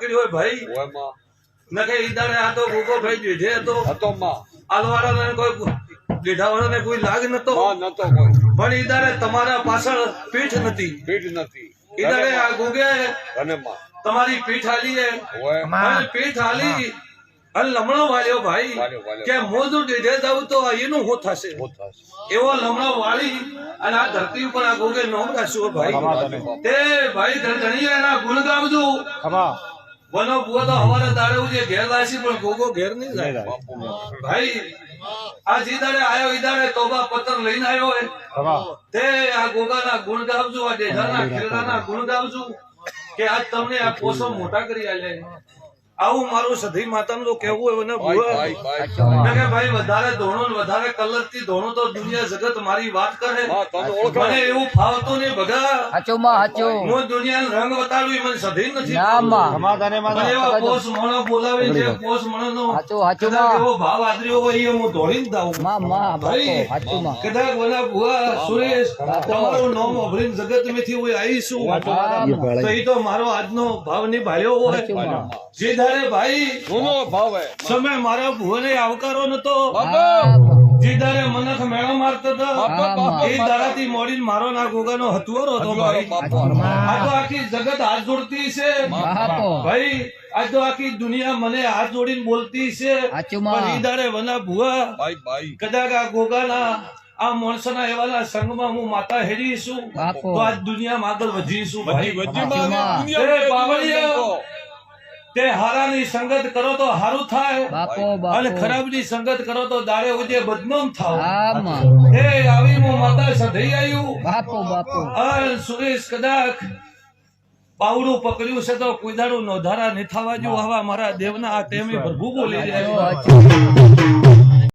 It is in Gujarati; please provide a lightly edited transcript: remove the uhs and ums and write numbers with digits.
પડ્યો હોય ભાઈ નકે ઈદારે આ તો ગોગો ભાઈ દીધે તો આલવાળાને કોઈ દીધાવાળાને કોઈ લાગ નતો પણ ઈદારે તમારા પાછળ પીઠ નથી ઈદારે આ ગોગે તમારી પીઠ આલી અને પીઠ આલી અને લમણો વાળ્યો ભાઈ કે મોજું દીધે જાવ તો એનું શું થશે એવો લમણો વાળી અને આ ધરતી ઉપર આ ગોગે નોમ રાખ્યો ભાઈ તે ભાઈ ધણીએ એના ગુણ ગાવજો બનો બુઓ તો હવારે દાડે ઉજે ઘેર લાસી પણ ગોગો ઘેર નહીં જાય ભાઈ આ જીદાડે આયો ઈદાડે તોબા પત્ર લઈને આવ્યો હે તે આ ગોગાના ગુણ ગાવજો આ દેજાના ખેરડાના ગુણ ગાવજો કે આજ તમને આ પોસો મોટા કરી આલે આવું મારું સધી માતાનું તો કેવું હોય ને ભુવા કે ભાઈ વધારે ધોણો ને વધારે કલર થી ધોણો તો દુનિયા જગત મારી વાત કરે મને એવું ફાવતું નહીં ભગા હું દુનિયા રંગ બતાડું મને સધી નથી એવા પોસ મોણો બોલાવી છે પોસ મોણો નો એવો ભાવ આદર્યો હોય હું ધોળી જ દાઉં ભાઈ કદાચ બોલા ભુવા સુરેશ તમારું નામ અભરીન જગત માંથી હું આવીશું તો એ તો મારો આજનો ભાવ ની ભાળ્યો હોય જે ભાઈ સમય મારા ભુવને આવકારો નતો જે દારે મનખ મેળો મારતો હતો એ દારાથી મોડીને મારો ના ગોગાનો હથુઆરો હતો ભાઈ આ તો આખી જગત હાથ જોડતી છે ભાઈ આ તો આખી દુનિયા મને હાથ જોડીને બોલતી છે પણ એ દાડે વના ભુવા કદાચ આ ગોગાના આ માણસના એવાના સંગમાં હું માતા હેડીશું તો આ દુનિયામાં આગળ વધીશું ભાઈ તે હારાની સંગત કરો તો હારું થાય અને ખરાબની સંગત કરો તો દાડે ઉજે બદનામ થાવ એ આવી હું માતા સધઈ આવ્યું સુરેશ કદાચ પાવડું પકડ્યું છે તો કોઈ દાડું નોધારા નહીં થવા જો હવા મારા દેવના આ ટેમે પ્રભુ બોલી રહ્યા